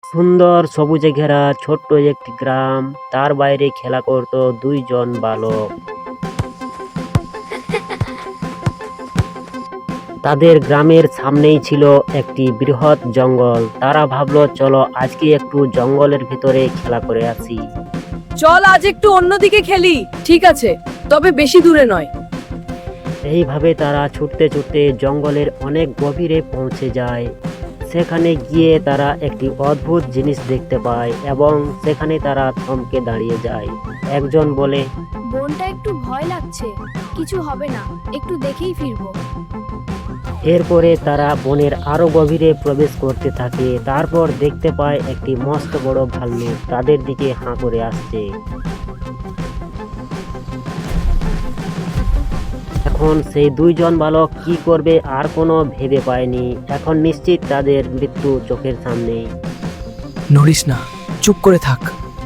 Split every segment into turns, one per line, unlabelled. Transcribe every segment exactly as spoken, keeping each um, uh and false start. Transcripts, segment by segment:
সুন্দর সবুজে ঘেরা ছোট্ট একটি গ্রাম, তার বাইরে খেলা করত দুইজন বালক। তাদের গ্রামের সামনেই ছিল একটি বৃহৎ জঙ্গল। তারা ভাবলো, চলো আজকে একটু জঙ্গলের ভিতরে খেলা করে আসি।
চল আজ একটু অন্যদিকে খেলি। ঠিক আছে, তবে বেশি দূরে নয়।
এইভাবে তারা ছুটতে ছুটতে জঙ্গলের অনেক গভীরে পৌঁছে যায়। সেখানে গিয়ে তারা একটি অদ্ভুত জিনিস দেখতে পায় এবং সেখানে তারা থমকে দাঁড়িয়ে যায়। একজন বলে,
বনটা একটু ভয় লাগছে, কিছু হবে না, একটু দেখেই ফিরবো।
এরপরে তারা বনের আরো গভীরে প্রবেশ করতে থাকে। তারপর দেখতে পায় একটি মস্ত বড় ভাল্লুক তাদের দিকে হাঁ করে আসছে। এখন সেই দুইজন বালক কি করবে আর কোনো ভেবে পায়নি। এখন নিশ্চিত তাদের মৃত্যু চোখের সামনেই।
নড়িস না, চুপ করে থাক।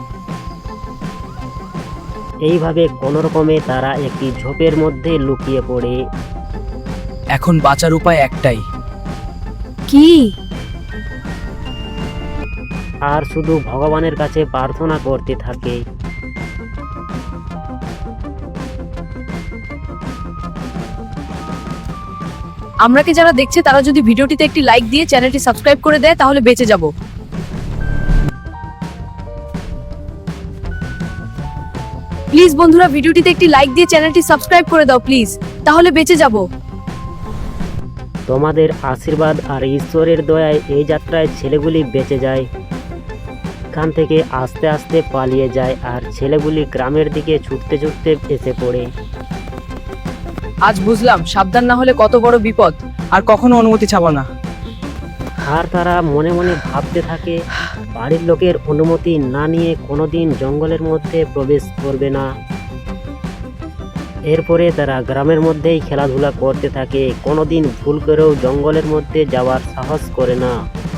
এইভাবে কোনো রকমে তারা একটি ঝোপের মধ্যে লুকিয়ে পড়ে।
এখন বাঁচার উপায় একটাই।
কি?
আর শুধু ভগবানের কাছে প্রার্থনা করতে থাকে।
আমরাকে যারা দেখছে তারা যদি ভিডিওটিতে একটি লাইক দিয়ে চ্যানেলটি সাবস্ক্রাইব করে দেয় তাহলে বেঁচে যাব। প্লিজ বন্ধুরা, ভিডিওটিতে একটি লাইক দিয়ে চ্যানেলটি সাবস্ক্রাইব করে দাও প্লিজ, তাহলে বেঁচে যাব।
তোমাদের আশীর্বাদ আর ঈশ্বরের দয়ায় এই যাত্রায় ছেলেগুলি বেঁচে যায়। এখান থেকে আস্তে আস্তে পালিয়ে যায় আর ছেলেগুলি গ্রামের দিকে ছুটতে ছুটতে এসে পড়ে।
আজ বুঝলাম সাবধান না হলে কত বড় বিপদ।
আর কখনো অনুমতি চাবো না।
আর তারা মনে মনে ভাবতে থাকে, বাড়ির লোকের অনুমতি না নিয়ে কোনোদিন জঙ্গলের মধ্যে প্রবেশ করবে না। এরপরে তারা গ্রামের মধ্যেই খেলাধুলা করতে থাকে, কোনোদিন ভুল করেও জঙ্গলের মধ্যে যাওয়ার সাহস করে না।